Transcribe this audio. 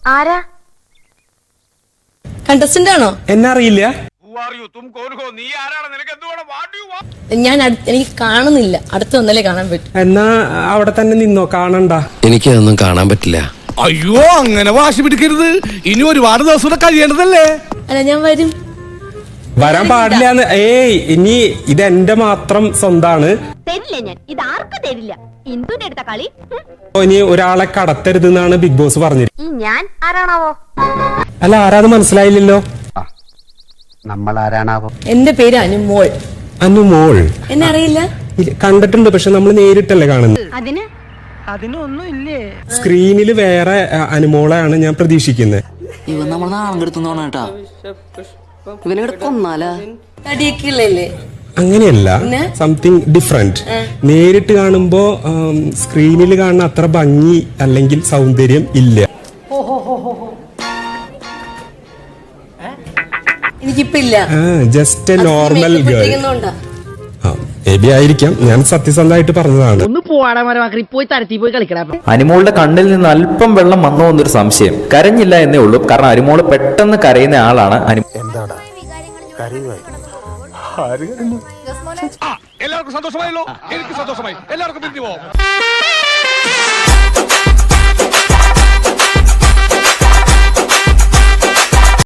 ആരാ? കണ്ടസ്റ്റന്റ് ആണോ? എന്നറിയില്ല. എനിക്ക് കാണുന്നില്ല, അടുത്ത് വന്നാലേ കാണാൻ പറ്റും. എന്നാ അവിടെ തന്നെ നിന്നോ, കാണണ്ട. എനിക്കതൊന്നും കാണാൻ പറ്റില്ല. അയ്യോ, അങ്ങനെ വാശി പിടിക്കരുത്. ഇനി ഒരുപാട് ദിവസം കഴിയേണ്ടതല്ലേ. അല്ല, ഞാൻ വരും. വരാൻ പാടില്ലാന്ന്. ഇനി ഇതെന്റെ മാത്രം സ്വന്താണ്. തരില്ല ഞാൻ, ഇത് ആർക്കും തരില്ല. ഇന്ദുന്റെ അടുത്ത കളി. ഇനി ഒരാളെ കടത്തരുത് എന്നാണ് ബിഗ് ബോസ് പറഞ്ഞത്. ഞാൻ ആരാണാവോ? അല്ല, ആരാന്ന് മനസ്സിലായില്ലല്ലോ. നമ്മൾ ആരാണാവോ? എന്റെ പേര് അനുമോൾ. അനുമോൾ എന്നെ അറിയില്ല? കണ്ടിട്ടുണ്ട്, പക്ഷെ നമ്മൾ നേരിട്ടല്ലേ കാണുന്നത്. അതിനൊന്നും ഇല്ലേ? സ്ക്രീനിൽ വേറെ അനുമോളെയാണ് ഞാൻ പ്രതീക്ഷിക്കുന്നത്. ഇവൻ നമ്മൾ നാളെ എടുത്തോണേട്ടാ. ഇവനെ കൊന്നാലാ? തടിയൊക്കെ ഉള്ളല്ലേ? അങ്ങനെയല്ല, സംതിങ് ഡിഫറെന്റ്. നേരിട്ട് കാണുമ്പോ സ്ക്രീനിൽ കാണുന്ന അത്ര ഭംഗി അല്ലെങ്കിൽ സൗന്ദര്യം ഇല്ല. എനിക്കിപ്പ ഇല്ല. Just a normal girl. ആയിരിക്കാം, ഞാൻ സത്യസന്ധമായിട്ട് പറഞ്ഞതാണ്. ഒന്ന് പോവാടാ മരമാക്കി, പോയി തരത്തി പോയി കളിക്കടാ. അനുമോളുടെ കണ്ണിൽ നിന്ന് അല്പം വെള്ളം വന്നോ എന്നൊരു സംശയം. കരഞ്ഞില്ല എന്നേ ഉള്ളൂ, കാരണം അനുമോള് പെട്ടെന്ന് കരയുന്ന ആളാണ്. എല്ലാവർക്കും സന്തോഷമായല്ലോ. എനിക്ക് സന്തോഷമായി. എല്ലാവർക്കും പിരിഞ്ഞു പോവാം.